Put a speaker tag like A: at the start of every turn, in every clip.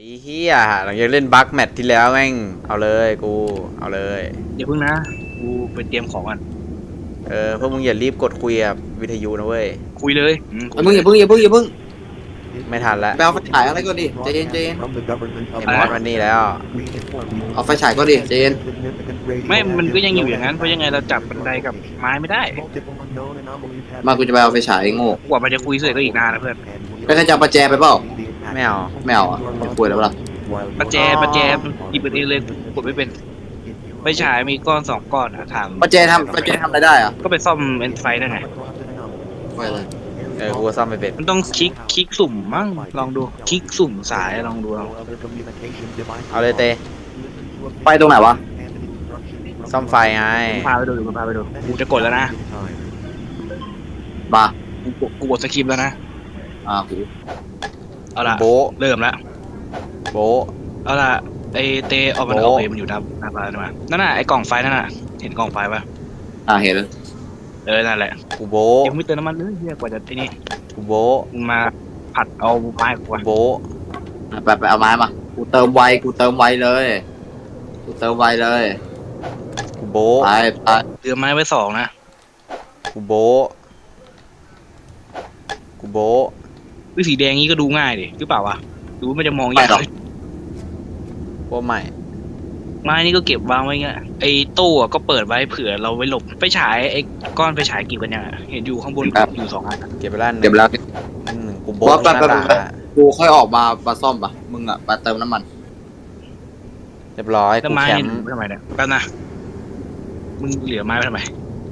A: เฮียหลังจากเล่นบัคแมตช์ที่แล้วแม่งเอาเลยกูเอาเลย
B: เดี๋ยวพึ่งนะกูไปเตรียมของก่อน
A: พวกมึงอย่ารีบกดคุยกับวิทยุนะเว้ย
B: คุยเลยคุย
C: มึงอย่าเพิ่ง
A: ไม่ทันแล้ว
C: ไปเอาไฟฉายอะไรก็ดิใจเย็น
A: ไอ้มอสมันนี่แล้ว
C: เอาไฟฉายก็ดิใจเย็น
B: ไม่มันก็ยังอยู่อย่างนั้นเพราะยังไงเราจับบันไดกับไม้ไม่ได้
C: มากูจะไปเอาไฟฉายโง่
B: กว่ามันจะคุยเสร็จก็อีกนานนะเพื่อน
C: ไปใครจะเอาประแจไปเปล่า
A: ไม่เอา
C: ไม่เอาอ่ะไม่คุยแล้วเปล่า
B: ประแจหยิบเป็นเองเลยกดไม่เป็นไฟฉายมีก้อน2 ก้อนอะถาม
C: ประแจทำอะไรได้อ่ะ
B: ก็ไปซ่อมเอ็นไฟได้ไง
C: ไม่เลย
A: กูซ่อมไม่เป็น
B: มันต้องคลิกสุ่มมั้งลองดูคลิกสุ่มสายลองดู
A: เอาเลยเต
C: ไปตรงไหนวะ
A: ซ่อมไฟไง
B: พาไปดูกูจะกดแล้วนะ
C: มา
B: กูกดสคริปต์แล้วนะ
C: กู
B: เอาละ
A: โบะ
B: เริ่มละ
A: โบะ
B: เอาล่ะไอเตออกมัน
A: โอ้
B: ออกไปมันอยู่หน้าบ้านมานั่นน่ะไอกล่องไฟนั่นน่ะเห็นกล่องไฟปะ
C: เห็นแล้ว
B: นั่นแหละ
A: กูโบะ
B: ยังไม่เติมน้ำมันเลยเฮียกว่าจะที่นี่
A: กูโบะ
B: มึงมาผัดเอาไม้กู
A: กู
B: วะ
A: โบะ
C: ไปเอาไม้มากูเติมไวเลยกูเติมไวเลย
A: กูโบะ
C: ไป
B: เตรียมไม้ไว้2นะ
A: กูโบะกูโบะ
B: วิสีแดงนี้ก็ดูง่ายดิหรือเปล่าวะดูมันจะมอง
C: ไป
B: ยาก
C: หรอก
A: โบะใหม่
B: ไม้นี่ก็เก็บวางไว้เงี้ยไอตู้อะก็เปิดไว้เผื่อเราไว้หลบไปฉายไอก้อนไปฉายกี่กันยังอะเห็นอยู่ข้างบนอยู่2 อันอะ
A: เก็บไปแล้วห
C: เดี๋
A: นึ่
C: ยว
A: ง
C: แล้ว
A: หนึ่งกู
C: บอ
A: โบะ
C: สไป
A: หน้าตา
C: กูค่อยออกมาซ่อมปะมึงอ่ะไปเติมน้ำมัน
A: เรียบร้อย
B: แล้ว
A: กู
B: ไม้
A: แค
B: นี่
A: มป์
B: ทำไมเนี่ยแป๊บนะมึงเหลือไม้ไว้ทำไม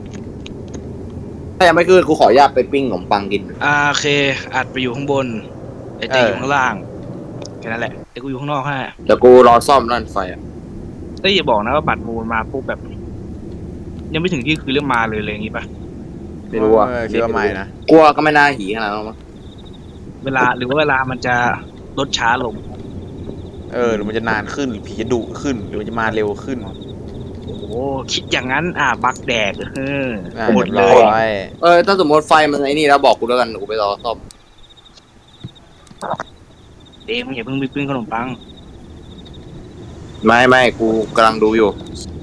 C: ถ้ายังไม่ขึ้นกูขออนุญาตไปปิ้งขนมปังกิน
B: โอเคอัดไปอยู่ข้างบนไอเตอยู่ข้างล่างแค่นั้นแหละไอกูอยู่ข้างนอกฮะ
C: เดี๋ยวกูรอซ่อมนั่นไฟอ่ะ
B: เอ้ยอย่าบอกนะว่าบัตรมูลมาปุ๊บแบบ ยังไม่ถึงที่คือเรื่องมาเลยอย่างงี้ปะ
C: ไม่รู้อ่ะ
A: คิดว่าใหม่นะ
C: กลัวก็ไม่น่าหีขนาดนั้นมั้ง
B: เวลาหรือว่าเวลามันจะลดช้าลง
A: หรือมันจะนานขึ้นหรือผีจะดุขึ้นหรือมันจะมาเร็วขึ้น
B: โอ้โหคิดอย่างนั้นบักแดกหมด
A: เรียบ
B: เล
A: ร้
B: ย
A: อย
C: ถ้าสมมติไฟมันไอ้นี่แล้วบอกกูแล้วกันกูไปรอซ่อม
B: เด็กมึงอย่าเพิ่งไปปิ้งขนมปัง
C: ไม่กูกำลังดูอยู่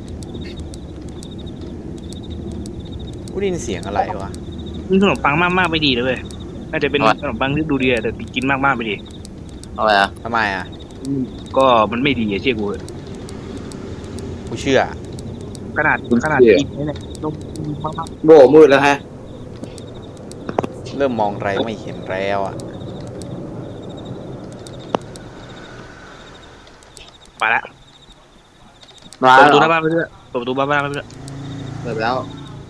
A: กูได้ยินเสียงอะไรวะ
B: ปิ้งขนมปังมากๆไม่ดีเลยเว้ยน่าจะเป็นขนมปังที่ดูดีแต่กินมากๆไม่ดี
C: เอาไงอ่ะ
A: ทำไมอ่ะ
B: ก็มันไม่ดีเชื่อกู
A: กูเชื่อ
B: ขนาดกินเนี่ยนมมาก
C: โบมืดแล้วฮะ
A: เริ่มมองอะไรไม่เห็นแล้วอ่ะ
B: ไปละ
C: มา
B: เปิดประตูห
C: แล้
B: น้าว บ้านไปเรื่อยเปิดประตูบ้านไปเรื่อย
C: เปิดไปแล้ว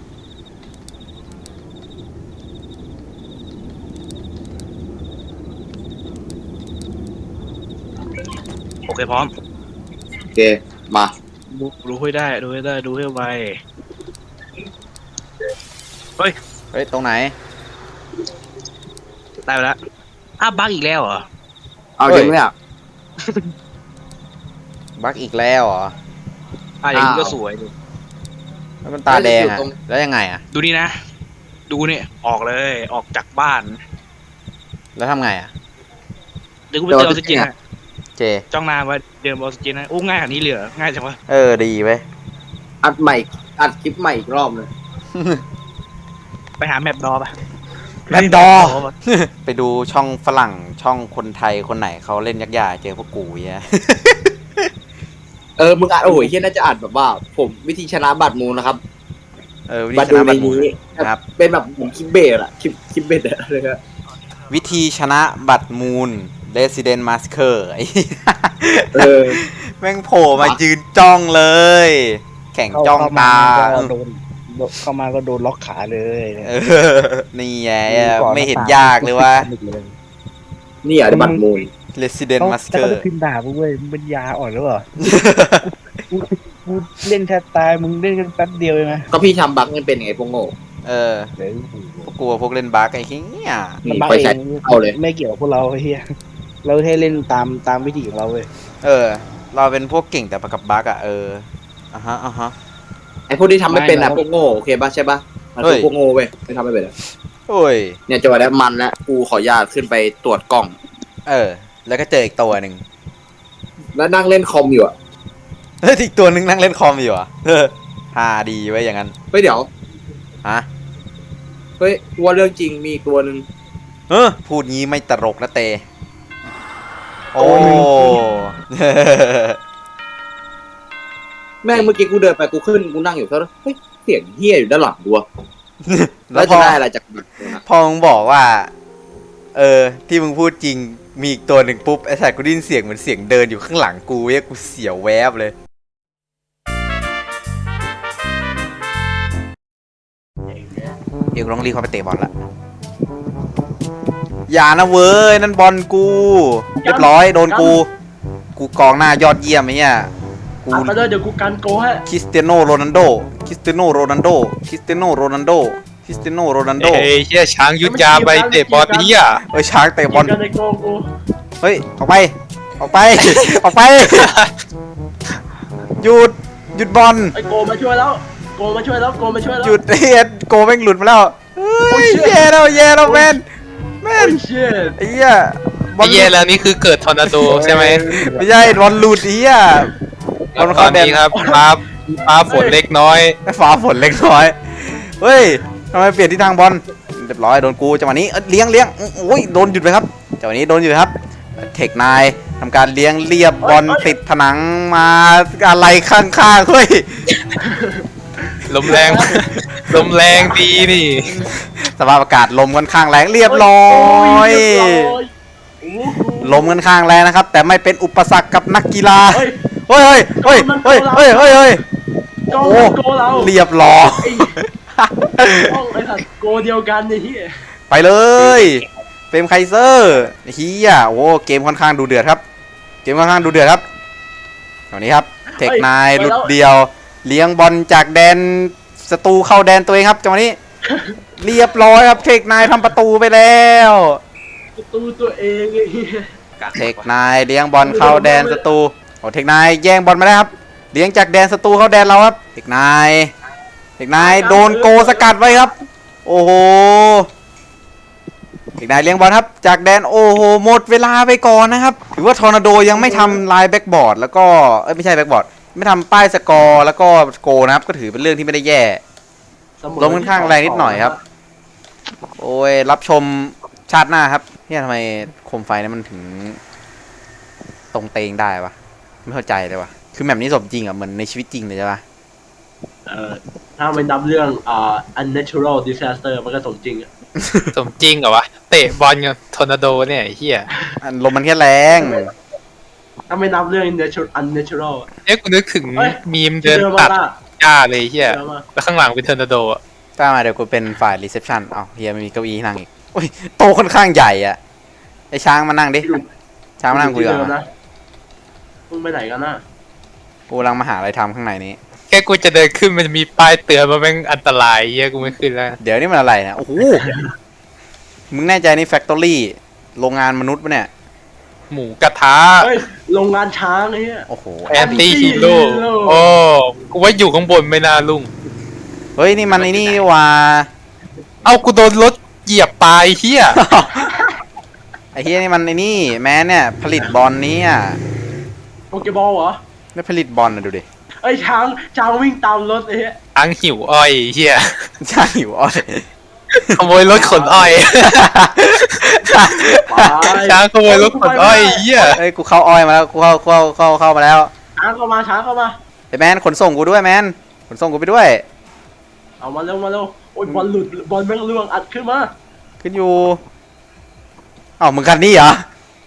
B: โอเคพร้อม
C: โอเคมา
B: ดูให้ได้ดูให้ไว
A: เฮ้ยตรงไหน
B: ได้ไปแล้วบักอีกแล้วเหรอ
C: เอา
A: เฮ้ย
C: จริงไหมอ่ะ
A: บักอีกแล้วเหรอ
B: อย่างนี้ก็
C: อ้าว
B: สวยดู
A: แล้วมันตาแดงอ่ะ
C: ตรง
A: แล้วยังไงอ่ะ
B: ดูนี่นะ ดูนี่ออกเลยออกจากบ้าน
A: แล้วทำไงอ่ะ
B: เดี๋ยวกูไปเติมออกซิเจน
A: เจ
B: จ้องนานไว้เดินออกซิเจนนะโอ้ง่ายขนาดนี้เลยเหรอง่ายจังวะ
A: ดีเว้ย
C: อัดใหม่อัดคลิปใหม่อีกรอบเลย
B: ไปหาแมปดอปะ
A: แมปดอ ไปดูช่องฝรั่งช่องคนไทยคนไหนเขาเล่นยักษ์ใหญ่เจอพวกกูเงี้ย
C: มึงอัดโอ้ยเฮียน่าจะอัดแบบว่า ผมวิธีชนะบัตรมูลนะครับ
A: วิ
C: มา
A: ธีช
C: ดู
A: นะ
C: ใน
A: บัตรหมู
C: นี้
A: ครับ
C: เป็นแบบผมคลิปเบสอะคลิปเบสอะเลยครับ
A: วิธีชนะบัตรมูล Resident Masker ไอ้
C: เออ
A: แม่งโผล่มายืนจ้องเลย แข่งจ้องตา
B: เข้ามาก็โดนล็อกขาเลย
A: นี่ไงไม่เห็นยากเลยว่า
C: นี่อ่ะบัตรมูล
A: Resident
B: แล้ว
A: Masker
B: ก็พิมพ์ด่ากูเว้ยมึงเป็นยาอ่อนหรือเปล่ากูเล่นแทบตายมึงเล่นกันแป๊บเดียวเองนะ
C: ก็พี่ทำบั๊กมันเป็นไงพวกโง่
A: พวกกลัวพวกเล่นบั๊กไอ้เหี้ย
C: นี่ไฟฉายเอาเลย
B: ไม่เกี่ยวกับพวกเราเฮียเราแค่เล่นตามวิธีของเราเว้ย
A: เราเป็นพวกเก่งแต่กับบั๊กอ่ะฮะ
C: ไอพวกที่ทำไม่เป็นอะพวกโง่โอเคป่ะใช่ป่ะมันคือ
A: เฮ้ย
C: พวกโง่เว้ยไม่ทำไม่เป็นอะ
A: โอ้ย
C: เนี่ยจังหวะนี้มันแล้วกูขออนุญาตขึ้นไปตรวจกล้อง
A: แล้วก็เจออีกตัวหนึ่ง
C: แล้วนั่งเล่นคอมอยู่อะ
A: เฮ้ยอีกตัวนึงนั่งเล่นคอมอยู่อ่ะฮาดีไว้อย่างนั้น
C: เฮ้ยเดี๋ยว
A: ฮะ
C: เฮ้ยว่าเรื่องจริงมีอีกตัวหนึ่ง
A: พูดงี้ไม่ตลกนะเต โอ้
C: แม่งเมื่อกี้กูเดินไปกูขึ้นกูนั่งอยู่แล้วเฮ้ยเสียงเฮี้ยอยู่ด้านหลังกูอะ
A: แล้
C: แล้ว ว
A: พ
C: จะ
A: อ
C: ได้อะไรจากมันนะ
A: พอมึงบอกว่า ที่มึงพูดจริงมีอีกตัวหนึ่งปุ๊บไอ้สัตว์กูได้ยินเสียงเหมือนเสียงเดินอยู่ข้างหลังกูเว้ยกูเสียวแวบเลยเดี๋ยวกูต้องรีบเข้าไปเตะบอลละอย่านะเว้ยนั่นบอลกูเรียบร้อยโดนกูกองหน้ายอดเยี่ยมไอ้เนี่ยกู
D: ไปเลยเดี๋ยวกูกันโกให้
A: คริสเตียโนโรนัลโดคริสเตียโนโรนัลโดคริสเตียโนโรนัลโดคริสเตียโนโรนัลโด
E: เฮ้ยเชี่ยช้างยุทธยาไปเตะบอลนี้อ่ะ
A: ช้างเตะบอล
D: กันในโกกู
A: เฮ้ยออกไปออกไป ออกไปหยุดบอล
D: ไอโกมาช่วยแล้วโกมาช่วยแล้วโกมาช่วยแล้ว
A: หยุดเฮียโกแม่งหลุดมาแล้วเฮ้ยแย่แล้วแมน
D: โอ้ยเชี่ย
A: ไอ้เหี้ยบอ
E: ไอ้
A: ล
E: เหี้ยแล้วนี่คือเกิดทอร์นาโดใช่ไหม
A: ไม่ใช่บอลหลุดไอ้เหี้ยบอล
E: ต
A: เข้า
E: อน
A: แดน
E: นี้ครับฟ้าฝนเล็กน้อย
A: ฟ้าฝนเล็กน้อยเฮ้ยทำไมเปลี่ยนทิศทางบอลเรียบร้อยโดนกูจังหวะนี้เลี้ยงโอ้ยโดนหยุดไปครับจังหวะนี้โดนหยุดครับเทคนายทำการเลี้ยงเรียบบอลติดผนังมาอะไรข้างๆเฮ้ย
E: ลมแรง ลมแรงดีนี่
A: สภาพอากาศลมค่อนข้างแรงเรียบร้อย
D: โอ้โห
A: ลมค่อนข้างแรงนะครับ แต่ไม่เป็นอุปสรรคกับนักกีฬา
D: เฮ้ย
A: เฮ้ย
D: โกมันโกเรา
A: เรียบร้อย
D: ต้องไอ้สัตว์โกเดียวกันไอ้เหี้ย
A: ไปเลยเฟรมไคเซอร์เฮียโอ้เกมค่อนข้างดูเดือดครับเกมค่อนข้างดูเดือดครับตอนนี้ครับเทคนายหลุดเดียวเลี้ยงบอลจากแดนศัตรูเข้าแดนตัวเองครับจังหวะนี้ เรียบร้อยครับเทคนายทำประตูไปแล้ว
D: ประตูตัวเองไอ้เหี้ย
A: เทคนายเลี้ยงบอลเข้าแดนศัตรูโอ้เทคนายแย่งบอลมาได้ครับเลี้ยงจากแดนศัตรูเข้าแดนเราครับเทคนายโดนโกสกัดไว้ครับโอ้โหเทคนายเลี้ยงบอลครับจากแดนโอ้โหหมดเวลาไปก่อนนะครับถือว่าทอร์นาโดยังไม่ทำลายแบ็กบอร์ดแล้วก็ไม่ใช่แบ็กบอร์ดไม่ทำป้ายสกอร์แล้วก็โกนะครับก็ถือเป็นเรื่องที่ไม่ได้แย่ ลมค่อนข้างแรงนิดหน่อยครับ โอ้ยรับชมชาติหน้าครับเนี่ยทำไมโคมไฟเนี่ยมันถึงตรงเตงได้ปะไม่เข้าใจเลยวะคือแบบนี้สมจริงอ่ะเหมือนในชีวิตจริงเลยใช่ปะ
D: ถ้าไม่นับเรื่องunnatural disaster มันก็สมจริงอะ
E: สมจริงเหรอวะ เตะบอลกับทอร์นาโดเนี่ยไอ้เหี้ย
A: อันลมมันแค่แรง
D: ถ้าไม่นับเรื่องunnatural อะ
E: เอ๊ะกูนึกถึง
D: เอ้ย
E: มีมเดิน
D: เจอมา
E: ตัด
D: ละ
E: หญ้าเลยไอ้เหี้ย
D: เจอมา
E: แล้วข้างหลังเป็นทอร์นาโดอ่ะ
A: ถ้ามาเดี๋ยวกูเป็นฝ่ายรีเซพชันเอาเฮียไม่มีเก้าอี้ให้นั่งอีกโอ้ยโตะค่อนข้างใหญ่อ่ะไอช้างมานั่งดิช้างมานั่งคุยก่อน
D: ที่เดิม
A: มา
D: นะมึงไปไหนกันน่ะ
A: กูกำลังมาหาอะไรทำข้างในนี้
E: แค่กูจะเดินขึ้นมันจะมีป้ายเตือนมาแม่งอันตรายไอ้เหี้ยกูไม่ขึ้นแล้ว
A: เดี๋ยวนี่มันอะไรนะโอ้โหมึงแน่ใจนี่แฟคทอรี่โรงงานมนุษย์ปะเนี่ย
E: หมูกระทะ
D: เฮ้ยโรงงานช้างไอ้เนี่ย
A: โอ้โห
E: แอนตี้ฮีโร่
D: Anti-hero
E: โอ้กูว่าอยู่ข้างบนไม่น่าลุ่ง
A: เฮ้ยนี่มันไอ้นี่นี่หว่า
E: เอ้ากูโดนรถเหยียบตายเฮีย
A: ไอ้เฮียนี่มันไอ้นี่แม้เนี่ยผลิตบอลนี้อ่ะ
D: โปเกบอลเหรอ
A: ไม่ผลิตบอลนะดูดิ
D: ไอ้ยช้างวิ่งตามรถไอ้เหี้ย
E: อังหิวอ้อยเฮีย
A: ช่างหิวอ้อย
E: ขโมยรถขนอ้อย ช้างขโมยรถขนอ้อยเฮีย
A: เอ้ยกูเข้าอ้อยมาแล้วกูเข้ามาแล้ว
D: ช้างเข้ามา
A: ไอ้แมนขนส่งกูด้วยแมนขนส่งกูไปด้วย
D: เอามาเร็วโอ้ยบอลหลุดบอลแม่งล่วงอัดขึ้นมา
A: ขึ้นอยู่เอ้ามึงคันนี้เหรอ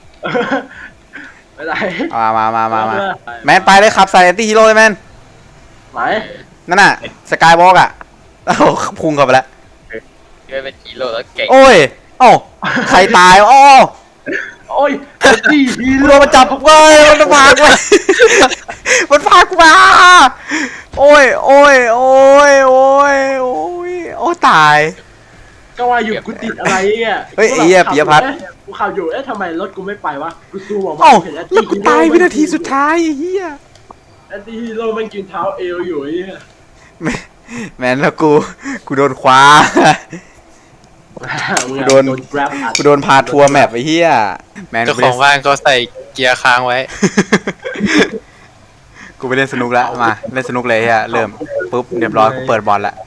D: ไม่ได้
A: เอามาแมนไปเลยขับใส่แอนตี้ฮีโร่เลยแมน
D: ไหน
A: นั่นน่ะสกายวอล์กอ่ะโอ้โหพุ่งเข้าไปแล้ว
E: เป็นฮีโร่แล้วเก่ง
A: โอ้ยเอ้าใครตายอ้อ
D: โอ้ยดีฮี
A: กู
D: โร่
A: โดนมาจับเว้ยมันพากูมามันพากูมาโอ้ยโอ้ตาย
D: ก็ว่าอยู่กูติดอะไรอ่ะ
A: เฮ้ยไอ้เหี้ยปิยพัฒน์
D: กูขับอยู่ทำไมรถกูไม่ไปวะกูซูมออกมา
A: เอ้า
D: เห็น
A: แล้วกูตายวินาทีสุดท้ายไอ้เหี้ย
D: แอนตี้ฮีโร่มันกินเท้าเอวอยู่ไอ้เหี้ย
A: แมนแล้วกูโดนคว้า
D: มึงอะ
A: โดน
D: grab อัด
A: กูโดนพาทัวร์แมปไอ้เหี้ยแมน
E: เจ้าของบ้านเขาใส่เกียร์ค้างไว้
A: กูไปเล่นสนุกแล้วมาเล่นสนุกเลยเฮียเริ่มปุ๊บเรียบร้อยกูเปิดบอลแล้ว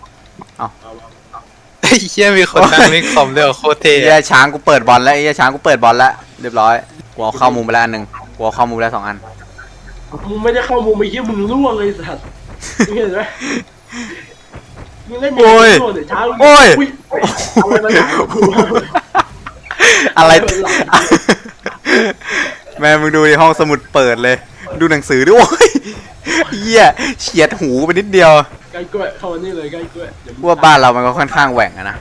E: ไอ้เหี้ยมีคนนั่งเล่นคอมด้วยเหรอโคตรเท่
A: เฮียช้างกูเปิดบอลแล้วเฮียช้างกูเปิดบอลแล้วเรียบร้อยกูเอาเข้ามุมไปแล้วอันหนึ่งกูเอาเข้ามุมไปแล้ว2 อัน
D: มึงไม่ได้เข้ามุมไอ้เหี้ยมึงล่วงเลยสัตว์มึงเห็นไหมมึงเล่นอย่างนี้โดนเดี๋ยวเช้า
A: โอ้ย
D: อะไรมาอย่างกู
A: อะไร แม่มึงดูในห้องสมุดเปิดเลย ดูหนังสือด้วยโอ้ยเฮียเฉียดหูไปนิดเดียว
D: ใกล้กล้วยเข้ามานี่เลยใกล้กล้วยเดี๋ยวมึง
A: ว่าบ้านเรามันก็ค่อนข้างแหว่งอะนะ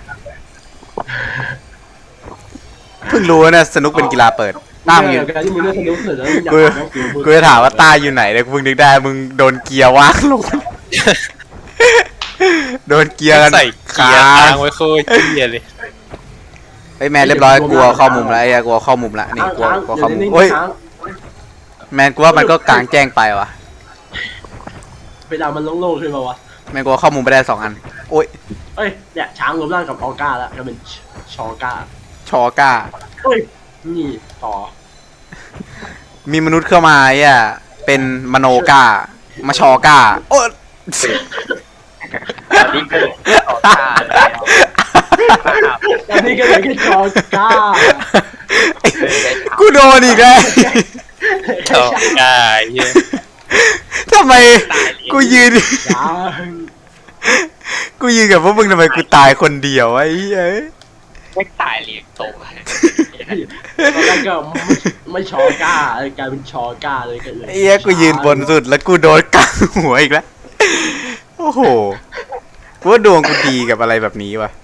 A: เพิ่งรู้นะสนุกเป็นกีฬาเปิดต้ามอยู่
D: การที่มึงเล่นสนุกเสร็จแล้วมึงอยาก
A: กู
D: หาหนังสือมึง
A: กูจะถามว่าต้าอยู่ไหนเลยกูเพิ่งนึกได้มึงโดนเกียร์ว่างลง โดนเกียร์กัน
E: ใส่เกียร์ค้างไว้โคตรเหี้ยเลย
A: ไอ้ยแมนเรียบร้อยกลัวเข้ามุมแล้วไอ้เหี้ยกลัวเข้ามุมแล้วนี่กลัวเข้ามุมโอ้ยแมนกูว่ามันก็กลางแจ้งไปว่ะ
D: เวลามันโล่งๆขึ้นมาวะ
A: แมนกูเข้ามุมไปได้2 อันโอ้ย
D: เอ้ยเนี่ยช้างรวมร่างกับออก้าแล้วก็เป็นชอก้า
A: ชอก้า
D: เอ้ยนี่ต่อ
A: มีมนุษย์เข้ามาไอ้เหี้ยเป็นมโนก้ามาชอก้าโอ้ย
F: ตอนนี้เกิดต่อตาแล้ว
D: ตอนนี้ก็เหลือแค่ชอก้า
A: กูโดนอีกแล้ว
E: ชอบกายเหี้ย
A: ทำไมกูยืน
D: ช้าง
A: กูยืนกับพวกมึงทำไมกูตายคนเดียววะไอ้เหี้ย
F: ไม่ตายเลี้ยงโต
D: ตอนแรกก็ไม่ชอก้ากลายเป็นชอก้าเลยก็เลย
A: ไอ้เหี้ยกูยืนบนสุดแล้วกูโดนกังหัวอีกแล้ว โอ้โหกูว่าดวงกูดีกับอะไรแบบนี้วะ